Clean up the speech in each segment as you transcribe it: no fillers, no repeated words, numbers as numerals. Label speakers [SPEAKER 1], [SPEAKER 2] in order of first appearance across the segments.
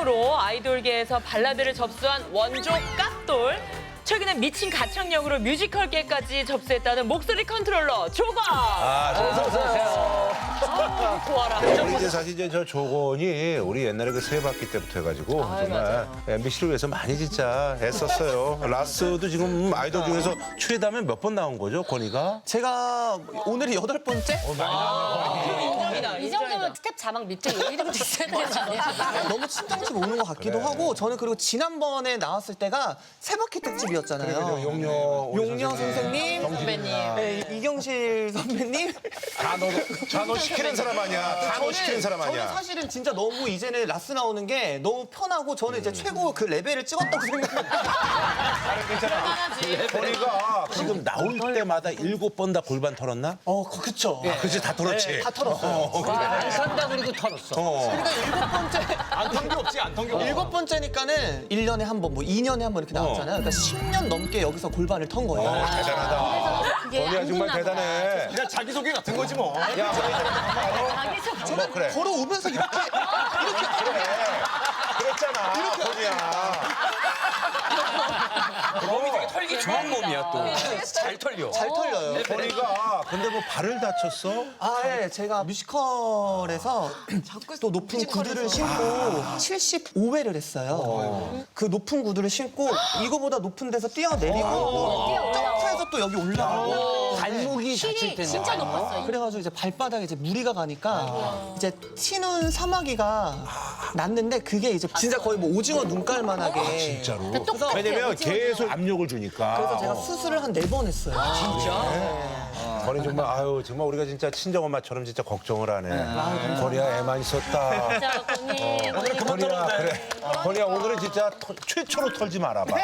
[SPEAKER 1] 가창력으로 아이돌계에서 발라드를 접수한 원조 깍돌. 최근에 미친 가창력으로 뮤지컬계까지 접수했다는 목소리 컨트롤러 조건.
[SPEAKER 2] 어서오세요.
[SPEAKER 1] 좋아라.
[SPEAKER 2] 우리 이제 사실 이제 저 조건이 우리 옛날에 그 세바퀴 때부터 해가지고 정말
[SPEAKER 1] 맞아요.
[SPEAKER 2] MBC를 위해서 많이 진짜 애썼어요. 라스도 지금 아이돌 중에서 최다면 몇 번 나온 거죠, 권이가?
[SPEAKER 3] 제가 오늘이 8번째?
[SPEAKER 1] 인정이다.
[SPEAKER 4] 이 정도면 스텝 자막 밑에 이름도 있어야 되는 거 아니야?
[SPEAKER 3] 너무 친정집 오는 것 같기도 하고 저는 그리고 지난번에 나왔을 때가 세바퀴 특집이었잖아요. 용녀 선생님,
[SPEAKER 1] 선배님.
[SPEAKER 3] 네, 이경실 선배님.
[SPEAKER 2] 다 너 시키는 사람 아니야. 다 너 시키는 사람
[SPEAKER 3] 저는
[SPEAKER 2] 아니야.
[SPEAKER 3] 사실은 진짜 너무 이제는 라스 나오는 게 너무 편하고 저는 이제 최고 그 레벨을 찍었다고 생각해요.
[SPEAKER 2] 권이가 지금 나올 때마다 7번 다 골반 털었나?
[SPEAKER 3] 그쵸.
[SPEAKER 2] 그치, 다 털었지.
[SPEAKER 3] 다 털었어요.
[SPEAKER 5] 안 산다 그리고 털었어.
[SPEAKER 3] 그러니까 7번째.
[SPEAKER 5] 안 턴 게 없지, 안 턴 게 없어.
[SPEAKER 3] 7번째니까는 1년에 한 번, 뭐 2년에 한 번 이렇게 나왔잖아요. 그러니까 10년 넘게 여기서 골반을 턴 거예요.
[SPEAKER 2] 대단하다. 권이야 정말 대단해.
[SPEAKER 5] 그냥 자기소개 같은 거지 뭐.
[SPEAKER 2] 야, 뭐 그래.
[SPEAKER 3] 걸어오면서 이렇게
[SPEAKER 2] 그랬잖아. 권이야.
[SPEAKER 5] 몸이 되게 털기 좋은 몸이야 또. 잘 털려.
[SPEAKER 3] 잘 털려요.
[SPEAKER 2] 권이가 근데 뭐 발을 다쳤어?
[SPEAKER 3] 예, 제가 뮤지컬에서 또 높은 구두를 신고 75회를 했어요. 그 높은 구두를 신고 이거보다 높은 데서 뛰어내리고 또 점프해서 또 여기 올라가고
[SPEAKER 5] 발목이 다칠
[SPEAKER 4] 힐이
[SPEAKER 5] 텐데.
[SPEAKER 4] 진짜 높았어요.
[SPEAKER 3] 그래가지고 이제 발바닥에 이제 무리가 가니까 이제 튀는 사마귀가 났는데 그게 이제 진짜 거의 뭐 오징어 눈깔만하게
[SPEAKER 2] 진짜로?
[SPEAKER 4] 똑같아요.
[SPEAKER 2] 왜냐면 계속 압력을 주니까.
[SPEAKER 3] 그래서 제가 수술을 한 4번 했어요.
[SPEAKER 2] 권이 정말 아유 정말 우리가 진짜 친정엄마처럼 진짜 걱정을 하네. 권이야 애만 있었다.
[SPEAKER 4] 진짜 언니.
[SPEAKER 2] 권이야 그래. 권이야 오늘은 진짜 최초로 털지 말아봐.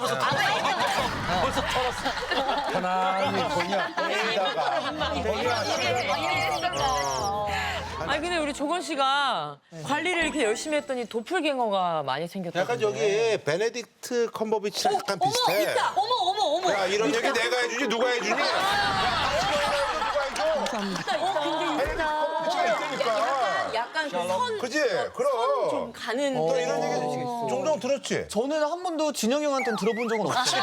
[SPEAKER 2] 편안히 권이야 권이야.
[SPEAKER 1] 아니 근데 우리 조건 씨가 관리를 이렇게 열심히 했더니 도플갱어가 많이 생겼다고.
[SPEAKER 2] 약간 저기 베네딕트 컴버비치랑 약간 비슷해.
[SPEAKER 1] 있다. 어머.
[SPEAKER 2] 야 이런 얘기 내가 해주지 누가 해주니? 누가 해줘?
[SPEAKER 1] 약간 그 선
[SPEAKER 2] 그지? 그럼.
[SPEAKER 1] 가는
[SPEAKER 2] 너 이런 얘기 종종 들었지?
[SPEAKER 3] 저는 한 번도 진영이 형한테는 들어본 적은 없어요.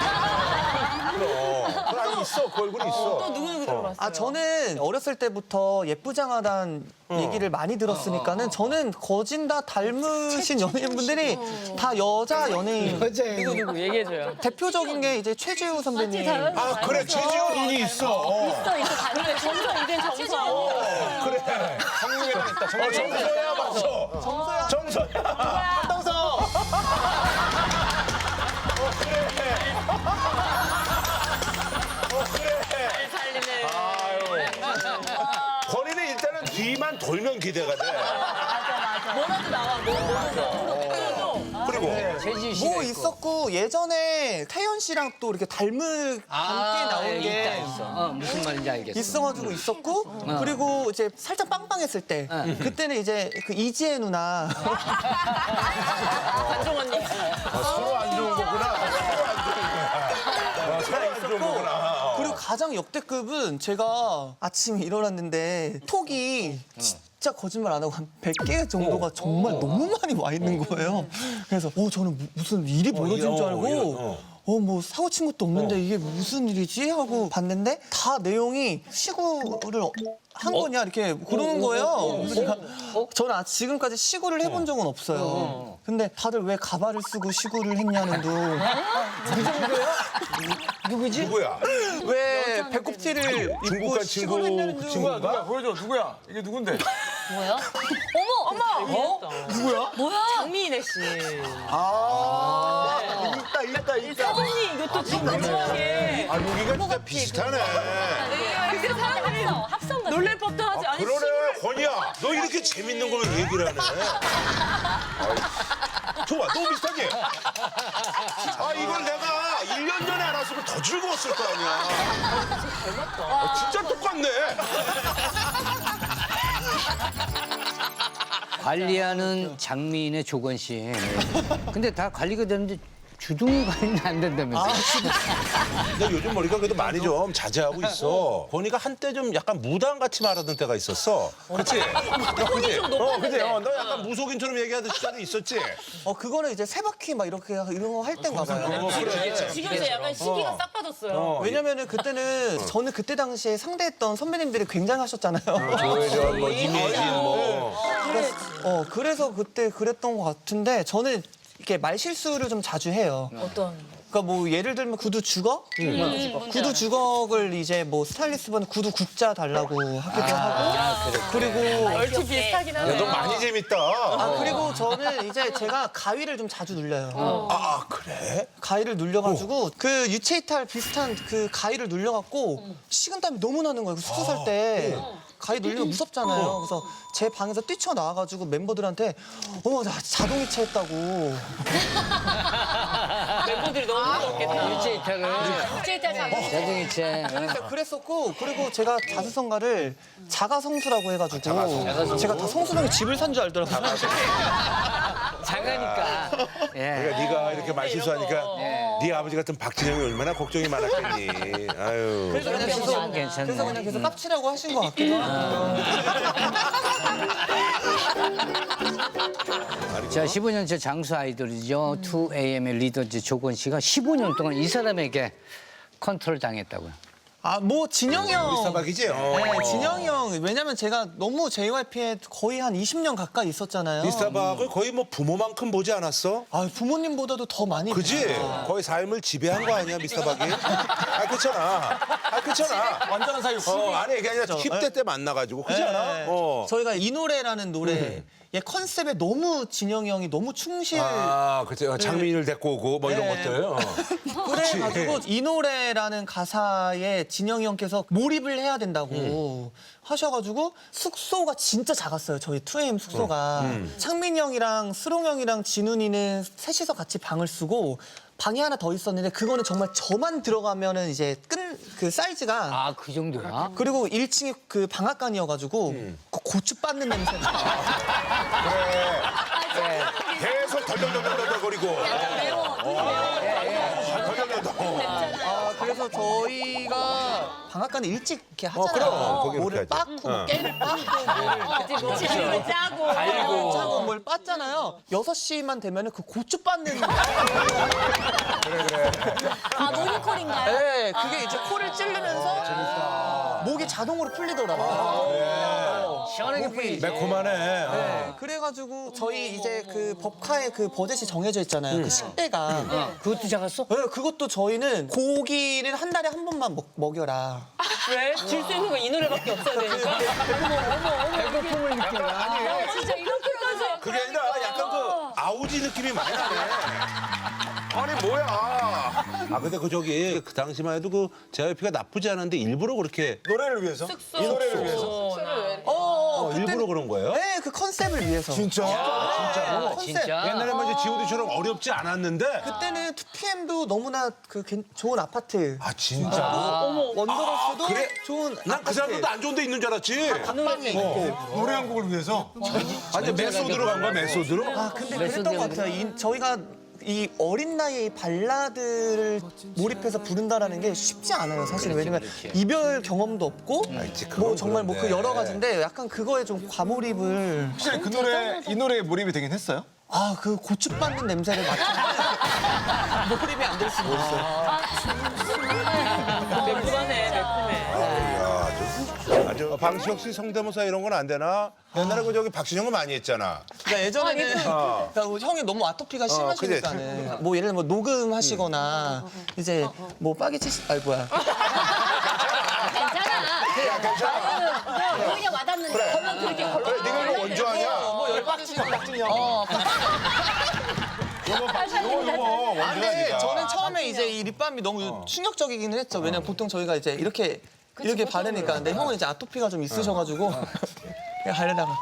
[SPEAKER 2] 그 안에 있어. 그 얼굴이 있어.
[SPEAKER 1] 또 누구 들어봤어요?
[SPEAKER 3] 저는 어렸을 때부터 예쁘장하다는 얘기를 많이 들었으니까는 저는 거진 다 닮으신 연예인분들이 다 여자 연예인.
[SPEAKER 1] 누구 얘기해줘요.
[SPEAKER 3] 대표적인 게 이제 최지우 선배님.
[SPEAKER 2] 아 그래 최지우 눈이 있어.
[SPEAKER 4] 있어 다른
[SPEAKER 1] 정서 이젠 정서.
[SPEAKER 2] 그래.
[SPEAKER 5] 성룡이랑 있다.
[SPEAKER 2] 정서야 맞어. 정서야. 한동서.
[SPEAKER 1] 살리네.
[SPEAKER 2] 권이는 일단은 뒤만 돌면 기대가 돼.
[SPEAKER 1] 뭐라도 나와.
[SPEAKER 2] 그리고
[SPEAKER 5] 최지우 씨가
[SPEAKER 3] 뭐
[SPEAKER 5] 있고.
[SPEAKER 3] 있었고 예전에 태연 씨랑 또 이렇게 닮게 나온 게
[SPEAKER 5] 있어. 무슨 말인지 알겠어.
[SPEAKER 3] 있어가지고 있었고 그리고 이제 살짝 빵빵했을 때 그때는 이제 그 이지혜 누나
[SPEAKER 1] 관종 언니.
[SPEAKER 2] 서로 안 좋은 거구나. 서로 안 좋은 거구나.
[SPEAKER 3] 그리고 가장 역대급은 제가 아침에 일어났는데 톡이 진짜 거짓말 안 하고 한 100개 정도가 정말 너무 많이 와 있는 거예요. 그래서 저는 무슨 일이 벌어진 줄 알고 뭐 사고 친 것도 없는데 이게 무슨 일이지 하고 봤는데 다 내용이 시구를 한 거냐 이렇게 그러는 거예요. 그래서 제가 저는 지금까지 시구를 해본 적은 없어요. 근데 다들 왜 가발을 쓰고 시구를 했냐는 둥.
[SPEAKER 2] 누구야?
[SPEAKER 3] 왜 배꼽티를
[SPEAKER 2] 중국
[SPEAKER 3] 입고
[SPEAKER 2] 간
[SPEAKER 3] 시구를 했냐는 둥.
[SPEAKER 2] 친구가?
[SPEAKER 5] 보여줘, 누구야? 이게 누군데?
[SPEAKER 4] 뭐야?
[SPEAKER 1] 누구야?
[SPEAKER 4] 뭐야?
[SPEAKER 1] 장미인혜 씨.
[SPEAKER 3] 있다.
[SPEAKER 1] 사진이 이것도 진짜 중요하게.
[SPEAKER 2] 아 여기가 진짜 비슷하네.
[SPEAKER 1] 그래서 사람들이
[SPEAKER 4] 합성 같아.
[SPEAKER 1] 놀랄 법도 하지. 아니
[SPEAKER 2] 그러네 권이야. 너 이렇게 재밌는 걸 왜 얘기를 하네. 아이, 좋아 너무 비슷하지? 아 이걸 내가 1년 전에 알았으면 더 즐거웠을 거 아니야. 진짜 똑같네.
[SPEAKER 5] 관리하는 장미인의 조건 씨. 근데 다 관리가 되는데 주둥이 관리는 안 된다면서.
[SPEAKER 2] 근데 요즘 머리가 그래도 많이 좀 자제하고 있어. 보니까 한때 좀 약간 무당같이 말하던 때가 있었어. 그치?
[SPEAKER 1] 톤이 좀 높았는데.
[SPEAKER 2] 그치? 너 약간 무속인처럼 얘기하던 시절이 있었지?
[SPEAKER 3] 그거는 이제 세바퀴 막 이렇게 이런 거 할 땐가 봐요.
[SPEAKER 1] 지금 이제 약간 시기가 싹 빠졌어요.
[SPEAKER 3] 왜냐면은 그때는 저는 그때 당시에 상대했던 선배님들이 굉장하셨잖아요.
[SPEAKER 2] 조혜련, 뭐, 이미진, 뭐.
[SPEAKER 3] 그래서 그때 그랬던 것 같은데 저는 이렇게 말 실수를 좀 자주 해요.
[SPEAKER 1] 어떤?
[SPEAKER 3] 그러니까 뭐 예를 들면 구두 주걱? 구두 주걱을 이제 뭐 스타일리스트분은 구두 국자 달라고 하기도 하고 그리고
[SPEAKER 1] 얼추 비슷하긴
[SPEAKER 2] 야,
[SPEAKER 1] 하네.
[SPEAKER 2] 너 많이 재밌다.
[SPEAKER 3] 그리고 저는 이제 제가 가위를 좀 자주 눌려요.
[SPEAKER 2] 그래?
[SPEAKER 3] 가위를 눌려가지고 그 유체이탈 비슷한 그 가위를 눌려갖고 식은땀이 너무 나는 거예요. 숙소 살 때 가위 눌리면 무섭잖아요. 그래서 제 방에서 뛰쳐나와가지고 멤버들한테 나 자동이체 했다고.
[SPEAKER 1] 멤버들이 너무 무섭겠다.
[SPEAKER 5] 유체이탈을. 자동이체.
[SPEAKER 3] 그랬었고 그리고 제가 자수성가를 자가성수라고 해가지고 제가 다 성수동에 집을 산 줄 알더라고요.
[SPEAKER 5] 작으니까. 예.
[SPEAKER 2] 그러니까 네가 이렇게 말 실수하니까 네 아버지 같은 박진영이 얼마나 걱정이 많았겠니. 아유.
[SPEAKER 3] 그래서 그냥
[SPEAKER 5] 괜찮네.
[SPEAKER 3] 그래서 그냥 계속 깝치라고 하신 것 같기도 하고.
[SPEAKER 5] 자, 15년째 장수 아이돌이죠. 2AM의 리더 이제 조건 씨가 15년 동안 이 사람에게 컨트롤 당했다고요.
[SPEAKER 3] 뭐 진영이 형.
[SPEAKER 2] 미스터박이지?
[SPEAKER 3] 네, 진영이 형. 왜냐면 제가 너무 JYP에 거의 한 20년 가까이 있었잖아요.
[SPEAKER 2] 미스터박을 거의 뭐 부모만큼 보지 않았어?
[SPEAKER 3] 부모님보다도 더 많이.
[SPEAKER 2] 그지?
[SPEAKER 3] 봤어요.
[SPEAKER 2] 거의 삶을 지배한 거 아니야, 미스터박이? 그렇잖아. 그렇잖아.
[SPEAKER 3] 완전한 사이.
[SPEAKER 2] 아니, 이게 아니라 10대 때 만나가지고. 그지 않아?
[SPEAKER 3] 저희가 이 노래라는 노래. 얘 컨셉에 너무 진영이 형이 너무 충실.
[SPEAKER 2] 그치. 장민이를 데리고 오고 뭐 이런 것들.
[SPEAKER 3] 그래가지고 이 노래라는 가사에 진영이 형께서 몰입을 해야 된다고 하셔가지고 숙소가 진짜 작았어요. 저희 2AM 숙소가. 창민이 형이랑 스롱 형이랑 진훈이는 셋이서 같이 방을 쓰고 방이 하나 더 있었는데 그거는 정말 저만 들어가면은 이제 그 사이즈가
[SPEAKER 5] 그 정도야?
[SPEAKER 3] 그리고 1층이 그 방앗간이어가지고 그 고추 빻는 냄새가
[SPEAKER 2] 계속 덜덜덜덜거리고.
[SPEAKER 3] 그래서 저희가 방앗간에 일찍 이렇게 하잖아요.
[SPEAKER 2] 그럼. 거기
[SPEAKER 3] 뭐를
[SPEAKER 2] 이렇게 하지.
[SPEAKER 3] 빻고 뭐 깨를 빻고 뭐를
[SPEAKER 1] 지금 짜고.
[SPEAKER 3] 짜고 뭘 빻잖아요. 6시만 되면은 그 고추 빻는
[SPEAKER 4] 모니콜인가요?
[SPEAKER 3] 네, 그게 이제 코를 찌르면서 목이 자동으로 풀리더라고요.
[SPEAKER 5] 시원하게 풀리지.
[SPEAKER 2] 매콤하네.
[SPEAKER 3] 그래가지고 저희 이제 그 법카에 그 버젯이 정해져 있잖아요. 그 식대가.
[SPEAKER 5] 그것도 작았어?
[SPEAKER 3] 네, 그것도 저희는 고기를 한 달에 한 번만 먹여라.
[SPEAKER 1] 왜? 질 수 있는 거 이 노래밖에 없어야 되니까.
[SPEAKER 5] 배고픔을 느껴라.
[SPEAKER 1] 진짜 이렇게까지.
[SPEAKER 2] 그게 아니라 약간 그 아우지 느낌이 많이 나네. 아니 뭐야? 근데 그 당시만 해도 그 JYP가 나쁘지 않은데 일부러 그렇게
[SPEAKER 6] 노래를 위해서?
[SPEAKER 1] 숙소.
[SPEAKER 6] 이 노래를 위해서?
[SPEAKER 2] 일부러 그런 거예요?
[SPEAKER 3] 네, 그 컨셉을 위해서.
[SPEAKER 6] 진짜?
[SPEAKER 3] 컨셉.
[SPEAKER 5] 진짜?
[SPEAKER 2] 옛날에 뭐 이제 G.O.D처럼 어렵지 않았는데.
[SPEAKER 3] 그때는 2PM도 너무나 좋은 아파트.
[SPEAKER 2] 진짜?
[SPEAKER 3] 원더걸스도
[SPEAKER 2] 그래?
[SPEAKER 3] 좋은
[SPEAKER 2] 난 그
[SPEAKER 3] 아파트.
[SPEAKER 2] 사람들도 안 좋은 데 있는 줄 알았지.
[SPEAKER 3] 방방에 있고.
[SPEAKER 6] 노래 한 곡을 위해서?
[SPEAKER 2] 아니 메소드로 간 거야 메소드로?
[SPEAKER 3] 근데 그랬던 것 같아요. 저희가 이 어린 나이에 이 발라드를 몰입해서 부른다라는 게 쉽지 않아요, 사실. 왜냐면 이별 경험도 없고 뭐 정말 뭐 그 여러 가지인데 약간 그거에 좀 과몰입을.
[SPEAKER 6] 확실히 이 노래에 몰입이 되긴 했어요?
[SPEAKER 3] 그 고추 빻는 냄새를 맡으면 몰입이 안 될 수가 없어요.
[SPEAKER 1] 매콤하네, 매콤해.
[SPEAKER 2] 아주 방시혁 씨 성대모사 이런 건 안 되나? 옛날에 그 저기 박신영은 많이 했잖아.
[SPEAKER 3] 그러니까 예전에는 그러니까 형이 너무 아토피가 심하시니까는 뭐 예를 들면 뭐 녹음하시거나 이제 뭐 빠개치 뭐야.
[SPEAKER 4] 괜찮아. 오히려 와닿는데.
[SPEAKER 1] 걸렁 그렇게 걸렁.
[SPEAKER 2] 그래 네가 이거 원조하냐?
[SPEAKER 3] 뭐 열박지성 같은 형.
[SPEAKER 2] 요거
[SPEAKER 3] 근데
[SPEAKER 2] 원조하니까.
[SPEAKER 3] 저는 처음에 이제 이 립밤이 너무 충격적이기는 했죠. 왜냐면 보통 저희가 이제 이렇게 바르니까. 근데 형은 이제 아토피가 좀 있으셔가지고 그냥 바르다가.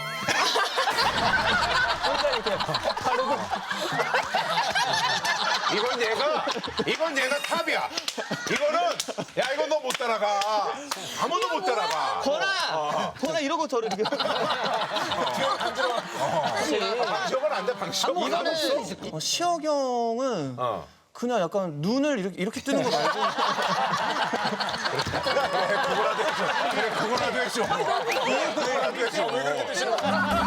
[SPEAKER 2] 이건 얘가 탑이야. 이건 너 못 따라가. 아무도 못 따라가.
[SPEAKER 3] 거나 이러고 저를 이렇게.
[SPEAKER 2] 박시혁은 안 돼, 방시혁.
[SPEAKER 3] 이거는 시혁 형은
[SPEAKER 2] 어.
[SPEAKER 3] 그냥 약간 눈을 이렇게 뜨는 거 말고
[SPEAKER 6] 그거라도 해줘. 그거라도 해줘.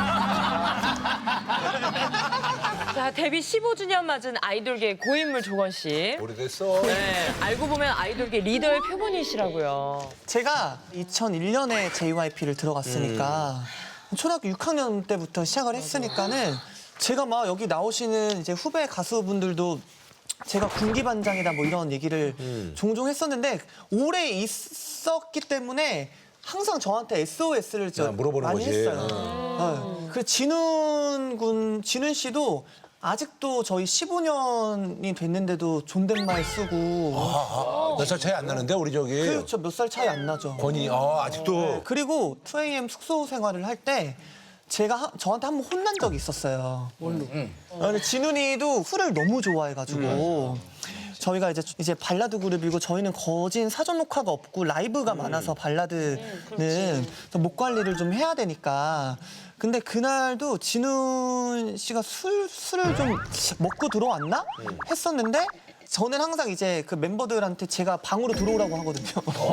[SPEAKER 1] 자, 데뷔 15주년 맞은 아이돌계 고인물 조건 씨.
[SPEAKER 2] 오래됐어.
[SPEAKER 1] 네, 알고 보면 아이돌계 리더의 표본이시라고요.
[SPEAKER 3] 제가 2001년에 JYP를 들어갔으니까 초등학교 6학년 때부터 시작을 했으니까는 제가 막 여기 나오시는 이제 후배 가수분들도 제가 군기반장이다 뭐 이런 얘기를 종종 했었는데 오래 있었기 때문에 항상 저한테 SOS를
[SPEAKER 2] 물어보는
[SPEAKER 3] 많이
[SPEAKER 2] 거지.
[SPEAKER 3] 했어요. 그 진훈 씨도 아직도 저희 15년이 됐는데도 존댓말 쓰고
[SPEAKER 2] 몇 살 차이 안 나는데, 우리 저기.
[SPEAKER 3] 그렇죠. 몇 살 차이 안 나죠.
[SPEAKER 2] 권이, 아직도.
[SPEAKER 3] 그리고 2AM 숙소 생활을 할 때 제가 저한테 한 번 혼난 적이 있었어요. 뭘로? 근데 진훈이도 술을 너무 좋아해가지고 저희가 이제 발라드 그룹이고 저희는 거진 사전 녹화가 없고 라이브가 많아서 발라드는 목 관리를 좀 해야 되니까. 근데 그날도 진훈 씨가 술을 좀 먹고 들어왔나 했었는데. 저는 항상 이제 그 멤버들한테 제가 방으로 들어오라고 하거든요.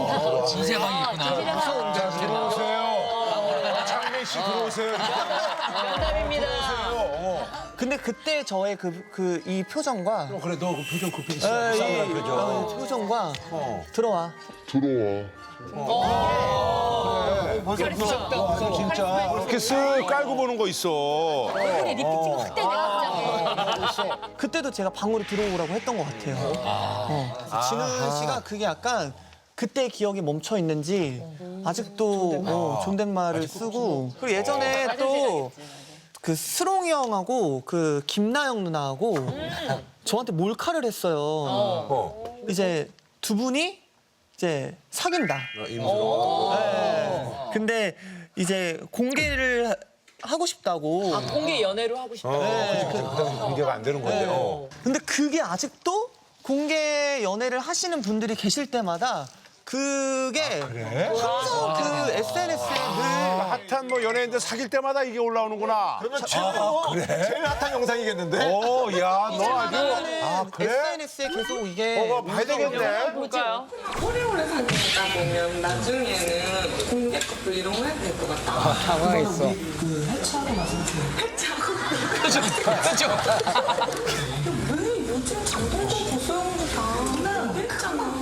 [SPEAKER 6] 들어오세요. 창민 씨 들어오세요.
[SPEAKER 1] 면담입니다.
[SPEAKER 3] 근데 그때 저의 이 표정과
[SPEAKER 2] 그래, 너 그 표정 급히 있어. 싸움날 표정.
[SPEAKER 3] 표정과 들어와.
[SPEAKER 2] 진짜.
[SPEAKER 6] 이렇게 쓱 깔고 보는 거 있어.
[SPEAKER 4] 근데 리프팅 확대 내가
[SPEAKER 3] 그때도 제가 방으로 들어오라고 했던 것 같아요. 그래서 진훈 씨가 그게 약간 그때 기억이 멈춰 있는지 아직도 존댓말을 쓰고 그리고 예전에 또 그 스롱이 형하고 그 김나영 누나하고 저한테 몰카를 했어요. 이제 두 분이 이제 사귄다. 네. 근데 이제 공개를 하고 싶다고.
[SPEAKER 1] 공개 연애로 하고 싶다.
[SPEAKER 2] 그치. 그 당시 공개가 안 되는 건데.
[SPEAKER 3] 근데 그게 아직도 공개 연애를 하시는 분들이 계실 때마다 그게 항상 그 SNS에 늘
[SPEAKER 6] 핫한 뭐 연예인들 사귈 때마다 이게 올라오는구나. 그러면 제일 핫한 영상이겠는데? 야, 너 아주. 그래?
[SPEAKER 3] SNS에 계속 이게
[SPEAKER 6] 봐야 되겠네.
[SPEAKER 1] 볼까요?
[SPEAKER 7] 오래오래 사귀다 보면 나중에는 공개 커플 이런 거 해야 될 것 같다.
[SPEAKER 5] 당황했어.
[SPEAKER 7] 왜 요즘 장동건 보소영도 다 했잖아.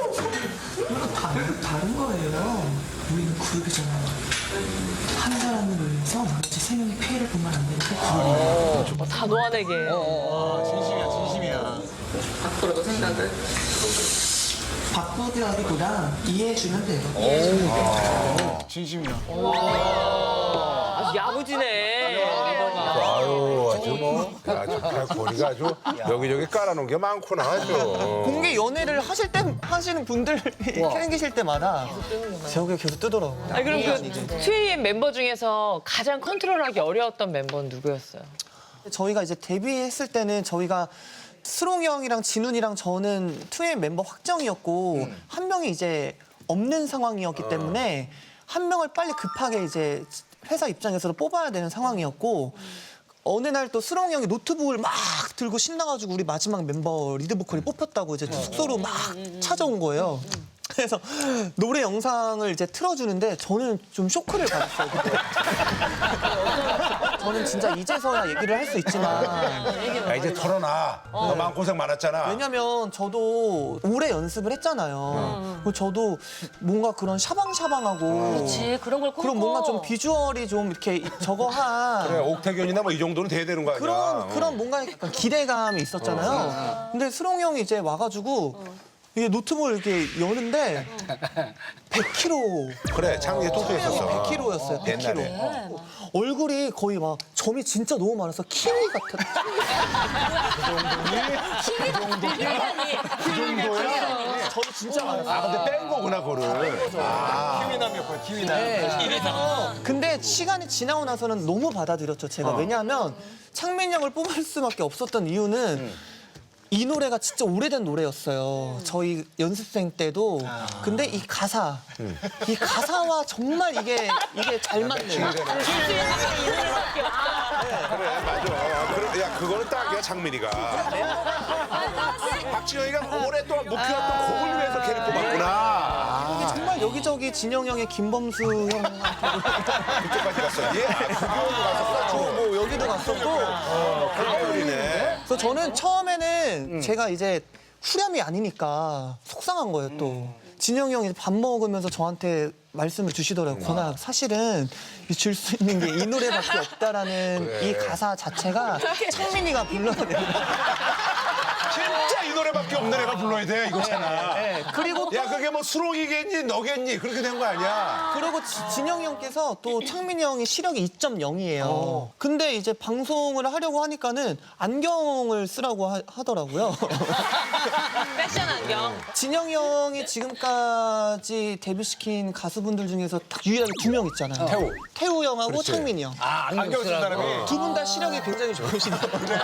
[SPEAKER 8] 다른 거예요. 우리는 그룹이잖아요. 한 사람을 위해서 나머지 세 명이 피해를 보면 안 되니까
[SPEAKER 1] 단호하게.
[SPEAKER 6] 진심이야.
[SPEAKER 7] 앞으로도 생각을.
[SPEAKER 8] 바꾸기라기보다 이해해주면 돼요.
[SPEAKER 6] 진심이야.
[SPEAKER 1] 아주 야무지네.
[SPEAKER 2] 아유, 아주 뭐. 아주 거리가 아주 여기저기 깔아놓은 게 많구나, 아주.
[SPEAKER 3] 공개 연애를 하시는 분들 생기실 때마다 제 얼굴에 계속 뜨더라고요.
[SPEAKER 1] 아니, 그럼 그 2AM 멤버 중에서 가장 컨트롤하기 어려웠던 멤버는 누구였어요?
[SPEAKER 3] 저희가 이제 데뷔했을 때는 저희가 스롱이 형이랑 진훈이랑 저는 2AM 멤버 확정이었고 한 명이 이제 없는 상황이었기 때문에 한 명을 빨리 급하게 이제 회사 입장에서도 뽑아야 되는 상황이었고 어느 날 또 스롱이 형이 노트북을 막 들고 신나가지고 우리 마지막 멤버 리드 보컬이 뽑혔다고 이제 숙소로 막 찾아온 거예요. 그래서 노래 영상을 이제 틀어주는데 저는 좀 쇼크를 받았어요. 그때. 저는 진짜 이제서야 얘기를 할 수 있지만
[SPEAKER 2] 야, 이제 털어놔. 너 마음고생 많았잖아.
[SPEAKER 3] 왜냐면 저도 오래 연습을 했잖아요. 그리고 저도 뭔가 그런 샤방샤방하고
[SPEAKER 4] 그렇지 그런 걸
[SPEAKER 3] 그런 뭔가 좀 비주얼이 좀 이렇게 저거한
[SPEAKER 2] 그래, 옥태견이나 뭐 이 정도는 돼야 되는 거 아니야.
[SPEAKER 3] 그런 뭔가 약간 기대감이 있었잖아요. 근데 스롱 형이 이제 와가지고 이게 노트북을 이렇게 여는데 100kg.
[SPEAKER 2] 그래, 창민이 똑똑했었어.
[SPEAKER 3] 100kg였어요.
[SPEAKER 2] 옛날에.
[SPEAKER 3] 100kg. 얼굴이 거의 막 점이 진짜 너무 많아서 키위 같았. 저도 진짜 많았어요.
[SPEAKER 2] 아, 근데 뺀 거구나, 그거를.
[SPEAKER 6] 키위남이었구나, 키위남.
[SPEAKER 3] 네. 근데 시간이 지나고 나서는 너무 받아들였죠, 제가. 왜냐하면 창민 형을 뽑을 수밖에 없었던 이유는 이 노래가 진짜 오래된 노래였어요. 저희 연습생 때도. 근데 이 가사와 정말 이게 잘 맞는.
[SPEAKER 2] 그래, 맞아. 그거는 딱이야, 장민이가. 박진영이가 오랫동안 묵혀왔던 곡을 위해서 걔를 뽑았구나.
[SPEAKER 3] 정말 여기저기 진영 형의 김범수 형한테
[SPEAKER 2] 그쪽까지 갔었지?
[SPEAKER 3] 뭐 여기도 갔었고.
[SPEAKER 2] 그러네.
[SPEAKER 3] 그래서 저는 처음에는 제가 이제 후렴이 아니니까 속상한 거예요, 또. 진영이 형이 밥 먹으면서 저한테 말씀을 주시더라고요. 권아, 사실은 줄 수 있는 게 이 노래밖에 없다라는 이 가사 자체가 창민이가 불러야 된다.
[SPEAKER 2] 진짜 이 노래밖에 없는 애가 불러야 돼, 이거잖아.
[SPEAKER 3] 네, 그리고
[SPEAKER 2] 야, 그게 뭐 수록이겠니, 너겠니? 그렇게 된 거 아니야?
[SPEAKER 3] 그리고 진영이 형께서 또 창민이 형이 시력이 2.0이에요. 근데 이제 방송을 하려고 하니까는 안경을 쓰라고 하더라고요.
[SPEAKER 1] 패션 안경.
[SPEAKER 3] 진영이 형이 지금까지 데뷔시킨 가수분들 중에서 딱 유일하게 2명 있잖아요. 태우 형하고 창민이 형.
[SPEAKER 6] 안경 쓴 사람이.
[SPEAKER 3] 두 분 다 시력이 굉장히 좋으시더라고요.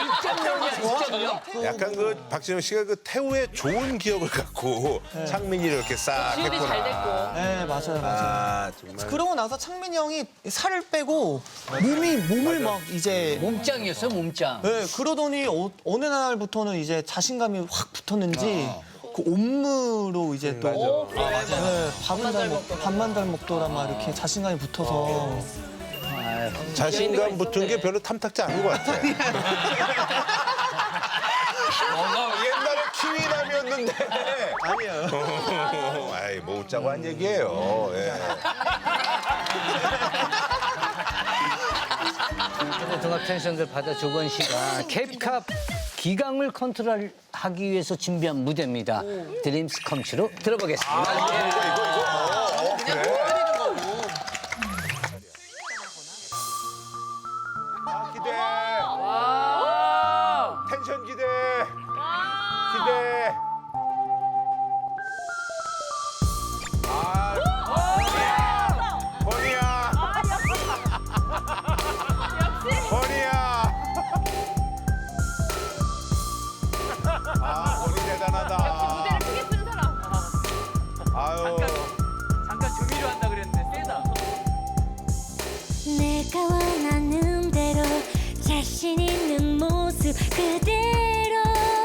[SPEAKER 2] 약간 그 박진영 씨가 그 태우의 좋은 기억을 갖고 창민이를 이렇게 싹
[SPEAKER 1] 지금이
[SPEAKER 2] 했구나.
[SPEAKER 1] 잘 됐고.
[SPEAKER 3] 네, 맞아요.
[SPEAKER 2] 아, 정말.
[SPEAKER 3] 그러고 나서 창민이 형이 살을 빼고 몸을 막 이제
[SPEAKER 5] 몸짱이었어, 몸짱.
[SPEAKER 3] 네, 그러더니 어느 날부터는 이제 자신감이 확 붙었는지 그 옴무로 이제 또 네, 밥만 잘 먹더라 막 이렇게 자신감이 붙어서
[SPEAKER 2] 자신감 붙은 게 별로 탐탁지 않은 것 같아. 옛날에 키위남이었는데.
[SPEAKER 3] 아니에요.
[SPEAKER 2] 아이, 뭐 웃자고 한 얘기예요. 예.
[SPEAKER 5] 등합 텐션들 받아 조건 씨가 캡캅 기강을 컨트롤하기 위해서 준비한 무대입니다. 드림스 컴츄로 들어보겠습니다.
[SPEAKER 2] 기대. 텐션 기대. 기대. 버니야. 버니야. 아, 버니 대단하다.
[SPEAKER 1] 무대를 크게 쓰는 사람.
[SPEAKER 2] 아유.
[SPEAKER 1] 잠깐 조미료 한다 그랬는데 세다.
[SPEAKER 9] 내가 원하는 대로 자신 있는 모습 그대로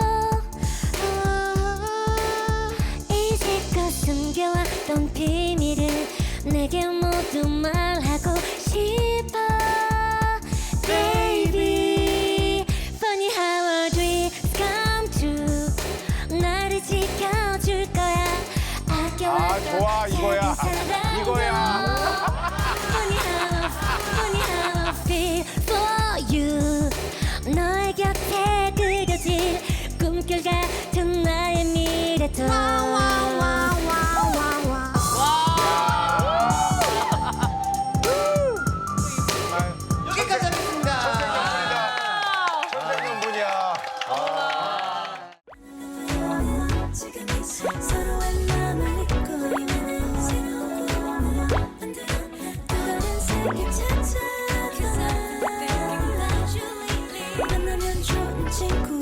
[SPEAKER 9] 이제껏 숨겨왔던 비밀을 내게 모두 말하고 싶어 Baby Funny how our dreams come true 나를 지켜줄 거야 아껴왔던
[SPEAKER 6] 좋아, 이거야.
[SPEAKER 9] 작은 사랑도
[SPEAKER 6] 이거야.
[SPEAKER 9] Funny how I feel for you 너의 곁에 그려질 꿈결 같은 나의 미래도
[SPEAKER 3] 여기까지 하겠습니다.
[SPEAKER 2] 천생연 분이야.
[SPEAKER 9] 서로의 마음을 잊고 있는 새로운 꿈을 만들어 또 다른 세계 찾아가 만나면 좋은 친구